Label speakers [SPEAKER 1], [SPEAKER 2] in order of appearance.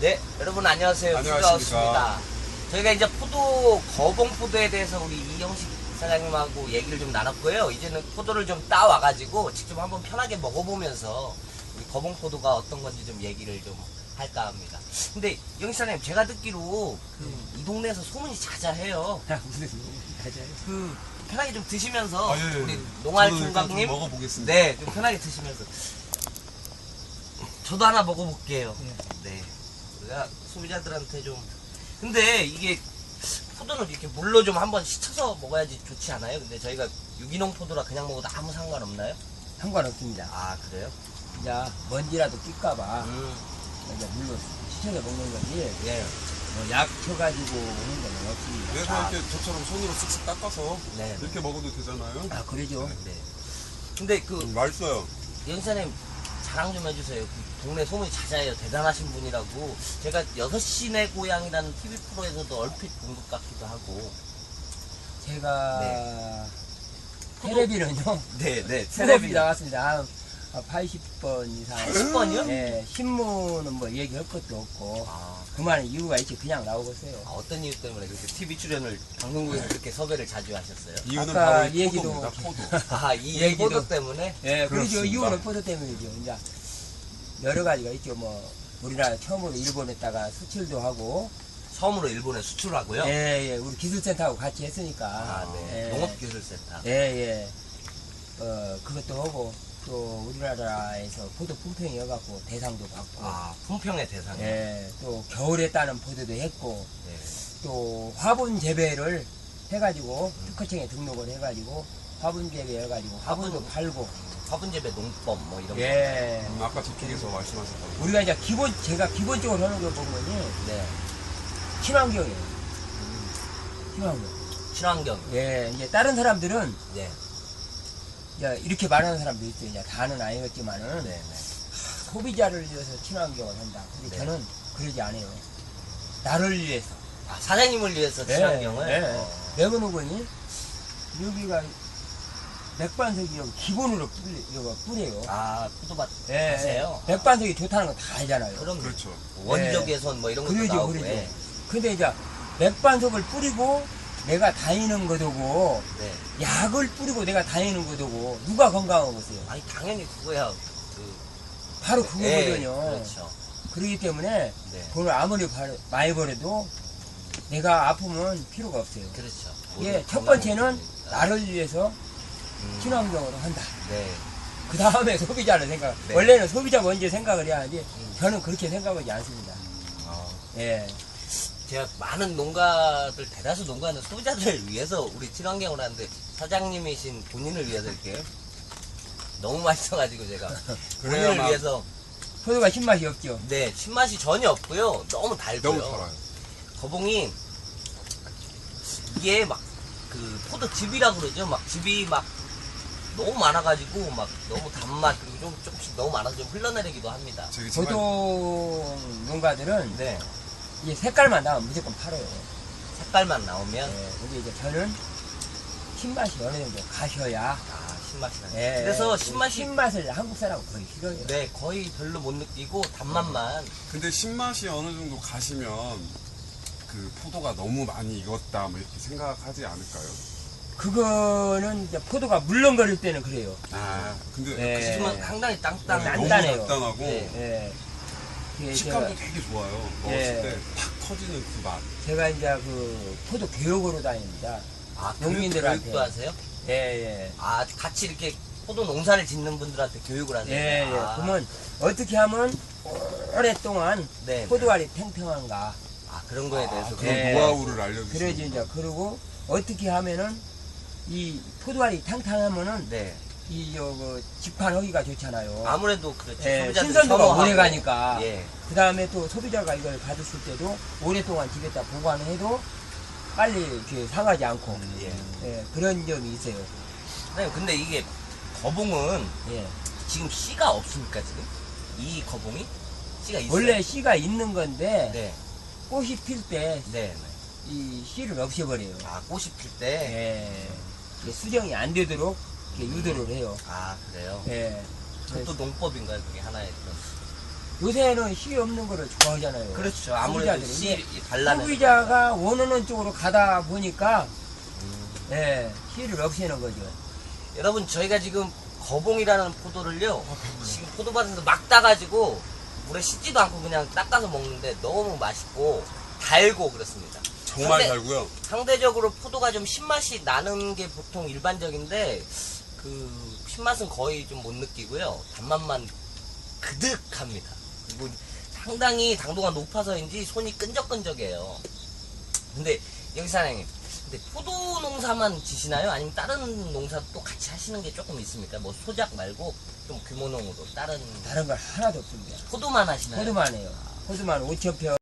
[SPEAKER 1] 네, 여러분 안녕하세요.
[SPEAKER 2] 안녕하십니까.
[SPEAKER 1] 저희가 이제 포도, 거봉포도에 대해서 우리 이영식 사장님하고 얘기를 좀 나눴고요. 이제는 포도를 좀 따와가지고 직접 한번 편하게 먹어보면서 우리 거봉포도가 어떤 건지 좀 얘기를 좀 할까 합니다. 근데 이영식 사장님, 제가 듣기로 이 동네에서 소문이 자자해요.
[SPEAKER 2] 무슨 맞아요.
[SPEAKER 1] 편하게 좀 드시면서
[SPEAKER 2] 예.
[SPEAKER 1] 우리 농알
[SPEAKER 2] 저도 일단
[SPEAKER 1] 총각님
[SPEAKER 2] 좀 먹어보겠습니다.
[SPEAKER 1] 네, 좀 편하게 드시면서 저도 하나 먹어볼게요. 네, 우리가 소비자들한테 좀 근데 이게 포도는 이렇게 물로 좀 한번 씻어서 먹어야지 좋지 않아요? 근데 저희가 유기농 포도라 그냥 먹어도 아무 상관없나요?
[SPEAKER 3] 상관없습니다.
[SPEAKER 1] 아, 그래요?
[SPEAKER 3] 이제 먼지라도 낄까봐
[SPEAKER 1] 음,
[SPEAKER 3] 이제 물로 씻어서 먹는 거지
[SPEAKER 1] 예,
[SPEAKER 3] 약 쳐가지고 오는 건 없습니다.
[SPEAKER 2] 그래서
[SPEAKER 1] 아.
[SPEAKER 2] 이렇게 저처럼 손으로 쓱쓱 닦아서
[SPEAKER 1] 네,
[SPEAKER 2] 이렇게 먹어도 되잖아요.
[SPEAKER 3] 아 그러죠.
[SPEAKER 1] 네. 근데
[SPEAKER 2] 맛있어요.
[SPEAKER 1] 연사님 자랑 좀 해주세요. 그 동네 소문이 자자해요. 대단하신 분이라고. 제가 6시내 고향이라는 TV 프로에서도 얼핏 본 것 같기도 하고.
[SPEAKER 3] 제가 테레비는요
[SPEAKER 1] 네, 네.
[SPEAKER 3] 테레비 나왔습니다. 80번 이상.
[SPEAKER 1] 80번이요?
[SPEAKER 3] 네, 신문은 뭐 얘기할 것도 없고
[SPEAKER 1] 아,
[SPEAKER 3] 그만한 이유가 있지 그냥 나오고 있어요.
[SPEAKER 1] 어떤 이유 때문에 그렇게 TV 출연을 방송국에서 그렇게 섭외를 자주 하셨어요?
[SPEAKER 2] 이유는
[SPEAKER 3] 아까
[SPEAKER 2] 바로 이
[SPEAKER 3] 얘기도
[SPEAKER 2] 포도입니다. 포도.
[SPEAKER 1] 아, 이
[SPEAKER 3] 얘기도-
[SPEAKER 1] 포도 때문에?
[SPEAKER 3] 예, 그러죠.
[SPEAKER 2] 그렇습니다.
[SPEAKER 3] 이유는 포도 때문이죠. 이제 여러 가지가 있죠. 뭐 우리나라 처음으로 일본에다가 수출도 하고
[SPEAKER 1] 처음으로 일본에 수출하고요.
[SPEAKER 3] 예, 예, 우리 기술센터하고 같이 했으니까.
[SPEAKER 1] 아, 네.
[SPEAKER 3] 예.
[SPEAKER 1] 농업기술센터.
[SPEAKER 3] 예, 예. 그것도 하고, 또 우리나라에서 포도 품평이어갖고 대상도 받고,
[SPEAKER 1] 아, 품평의 대상.
[SPEAKER 3] 예, 또 겨울에 따는 포도도 했고,
[SPEAKER 1] 네.
[SPEAKER 3] 또 화분 재배를 해가지고, 특허청에 등록을 해가지고, 화분 재배해가지고, 화분도
[SPEAKER 1] 화분.
[SPEAKER 3] 팔고,
[SPEAKER 1] 화분재배 농법 뭐 이런 거.
[SPEAKER 3] 예.
[SPEAKER 2] 아까 저쪽에서 말씀하셨던
[SPEAKER 3] 우리가 이제 제가 기본적으로 하는 거 보면요,
[SPEAKER 1] 네.
[SPEAKER 3] 친환경이에요. 친환경.
[SPEAKER 1] 친환경.
[SPEAKER 3] 예, 이제 다른 사람들은,
[SPEAKER 1] 네.
[SPEAKER 3] 이제 이렇게 말하는 사람도 있어요. 이제 다는 아니겠지만은
[SPEAKER 1] 네. 네.
[SPEAKER 3] 소비자를 위해서 친환경을 한다. 근데
[SPEAKER 1] 네.
[SPEAKER 3] 저는 그러지 않아요. 나를 위해서.
[SPEAKER 1] 아, 사장님을 위해서 친환경을?
[SPEAKER 3] 예, 예.
[SPEAKER 1] 어.
[SPEAKER 3] 왜 그러니 여기가 맥반석이라고 기본으로 뿌려요.
[SPEAKER 1] 아, 포도밭
[SPEAKER 3] 예,
[SPEAKER 1] 하세요?
[SPEAKER 3] 예. 맥반석이 좋다는 건 다 알잖아요.
[SPEAKER 1] 그럼
[SPEAKER 2] 그렇죠.
[SPEAKER 1] 원적
[SPEAKER 3] 예.
[SPEAKER 1] 개선 뭐 이런 것도
[SPEAKER 3] 그러죠,
[SPEAKER 1] 나오고.
[SPEAKER 3] 그러죠.
[SPEAKER 1] 예.
[SPEAKER 3] 근데 이제 맥반석을 뿌리고 내가 다니는 거도고
[SPEAKER 1] 네.
[SPEAKER 3] 약을 뿌리고 내가 다니는 거도고 누가 건강하겠어요?
[SPEAKER 1] 아니, 당연히 그거야.
[SPEAKER 3] 바로
[SPEAKER 1] 예,
[SPEAKER 3] 그거거든요.
[SPEAKER 1] 그렇죠.
[SPEAKER 3] 그렇기 때문에
[SPEAKER 1] 네.
[SPEAKER 3] 돈을 아무리 많이 벌어도 내가 아프면 필요가 없어요.
[SPEAKER 1] 그렇죠.
[SPEAKER 3] 예,
[SPEAKER 1] 모두
[SPEAKER 3] 첫 번째는
[SPEAKER 1] 건강해지니까.
[SPEAKER 3] 나를 위해서 친환경으로 한다.
[SPEAKER 1] 네.
[SPEAKER 3] 그 다음에 소비자를 생각.
[SPEAKER 1] 네.
[SPEAKER 3] 원래는 소비자 먼저 생각을 해야 하지. 저는 그렇게 생각하지 않습니다.
[SPEAKER 1] 어,
[SPEAKER 3] 예,
[SPEAKER 1] 제가 많은 농가들, 대다수 농가는 소비자들을 위해서 우리 친환경을 하는데 사장님이신 본인을 위해서 이렇게 너무 맛있어가지고 제가 본인을
[SPEAKER 2] 그래야만-
[SPEAKER 1] 위해서
[SPEAKER 3] 포도가 신맛이 없죠.
[SPEAKER 1] 네, 신맛이 전혀 없고요. 너무 달고요.
[SPEAKER 2] 너무 달아요.
[SPEAKER 1] 거봉이 이게 막 그 포도즙이라 그러죠. 막 즙이 막 너무 많아가지고 막 너무 단맛 그리고 좀 조금씩 너무 많아서 좀 흘러내리기도 합니다.
[SPEAKER 2] 저기 정말
[SPEAKER 3] 포도 농가들은
[SPEAKER 1] 네,
[SPEAKER 3] 이 색깔만 나오면 무조건 팔아요.
[SPEAKER 1] 색깔만 나오면
[SPEAKER 3] 예, 근데 이제 저는 신맛이 어느 정도 가셔야.
[SPEAKER 1] 아, 신맛이 나요.
[SPEAKER 3] 예,
[SPEAKER 1] 그래서 신맛이
[SPEAKER 3] 신맛을 한국 사람은 거의 싫어해요.
[SPEAKER 1] 네, 거의 별로 못 느끼고 단맛만.
[SPEAKER 2] 근데 신맛이 어느 정도 가시면 그 포도가 너무 많이 익었다 뭐 이렇게 생각하지 않을까요?
[SPEAKER 3] 그거는 이제 포도가 물렁거릴 때는 그래요.
[SPEAKER 2] 아 근데
[SPEAKER 3] 네.
[SPEAKER 1] 지금은 상당히 땅땅.
[SPEAKER 3] 네,
[SPEAKER 2] 너무
[SPEAKER 3] 단단해요.
[SPEAKER 2] 단단하고
[SPEAKER 1] 네.
[SPEAKER 3] 예. 그게
[SPEAKER 2] 식감도
[SPEAKER 3] 제가,
[SPEAKER 2] 되게 좋아요. 먹었을
[SPEAKER 3] 예.
[SPEAKER 2] 때 팍 터지는 그 맛.
[SPEAKER 3] 제가 이제 그 포도 교육으로 다닙니다.
[SPEAKER 1] 아,
[SPEAKER 3] 농민들한테.
[SPEAKER 1] 교육도 하세요?
[SPEAKER 3] 예, 예.
[SPEAKER 1] 아, 같이 이렇게 포도 농사를 짓는 분들한테 교육을 하세요?
[SPEAKER 3] 예, 예.
[SPEAKER 1] 아,
[SPEAKER 3] 그러면 어떻게 하면 오랫동안
[SPEAKER 1] 네.
[SPEAKER 3] 포도알이 팽팽한가.
[SPEAKER 1] 아, 그런 거에 대해서.
[SPEAKER 2] 그런
[SPEAKER 3] 예.
[SPEAKER 2] 노하우를 알려주시는
[SPEAKER 3] 그러지, 이제. 그리고 어떻게 하면은 이 포도알이 탕탕하면은
[SPEAKER 1] 네.
[SPEAKER 3] 그 직판하기가 좋잖아요.
[SPEAKER 1] 아무래도 그렇죠.
[SPEAKER 3] 예,
[SPEAKER 1] 소비자들이
[SPEAKER 3] 신선도가
[SPEAKER 1] 선호하고.
[SPEAKER 3] 오래 가니까.
[SPEAKER 1] 예.
[SPEAKER 3] 그 다음에 또 소비자가 이걸 받았을 때도 오랫동안 집에다 보관을 해도 빨리 이렇게 상하지 않고.
[SPEAKER 1] 예.
[SPEAKER 3] 예, 그런 점이 있어요.
[SPEAKER 1] 선생님, 근데 이게 거봉은
[SPEAKER 3] 예.
[SPEAKER 1] 지금 씨가 없습니까, 지금? 이 거봉이? 씨가 있어요?
[SPEAKER 3] 원래 씨가 있는 건데
[SPEAKER 1] 네.
[SPEAKER 3] 꽃이 필 때
[SPEAKER 1] 네.
[SPEAKER 3] 이 씨를 없애버려요.
[SPEAKER 1] 아, 꽃이 필 때?
[SPEAKER 3] 예. 이게 수정이 안 되도록 이렇게 유도를 해요.
[SPEAKER 1] 아, 그래요?
[SPEAKER 3] 예.
[SPEAKER 1] 그것도 농법인가요? 그게 하나의 그런.
[SPEAKER 3] 요새는 씨 없는 거를 좋아하잖아요.
[SPEAKER 1] 그렇죠. 아무래도
[SPEAKER 3] 소비자들이.
[SPEAKER 1] 씨 발라내는
[SPEAKER 3] 소비자가 원하는 쪽으로 가다 보니까 예, 씨를 없애는 거죠.
[SPEAKER 1] 여러분 저희가 지금 거봉이라는 포도를요 지금 포도밭에서 막 따가지고 물에 씻지도 않고 그냥 닦아서 먹는데 너무 맛있고 달고 그렇습니다.
[SPEAKER 2] 정말
[SPEAKER 1] 상대-
[SPEAKER 2] 달고요.
[SPEAKER 1] 상대적으로 포도가 좀 신맛이 나는 게 보통 일반적인데 그 신맛은 거의 좀 못 느끼고요. 단맛만 그득합니다. 그리고 상당히 당도가 높아서인지 손이 끈적끈적해요. 근데 여기 사장님, 근데 포도 농사만 지시나요? 아니면 다른 농사도 또 같이 하시는 게 조금 있습니까? 뭐 소작 말고 좀 규모농으로 다른
[SPEAKER 3] 다른 걸 하나도 없습니다.
[SPEAKER 1] 포도만 하시나요?
[SPEAKER 3] 호두만 해요. 호두만 5,000평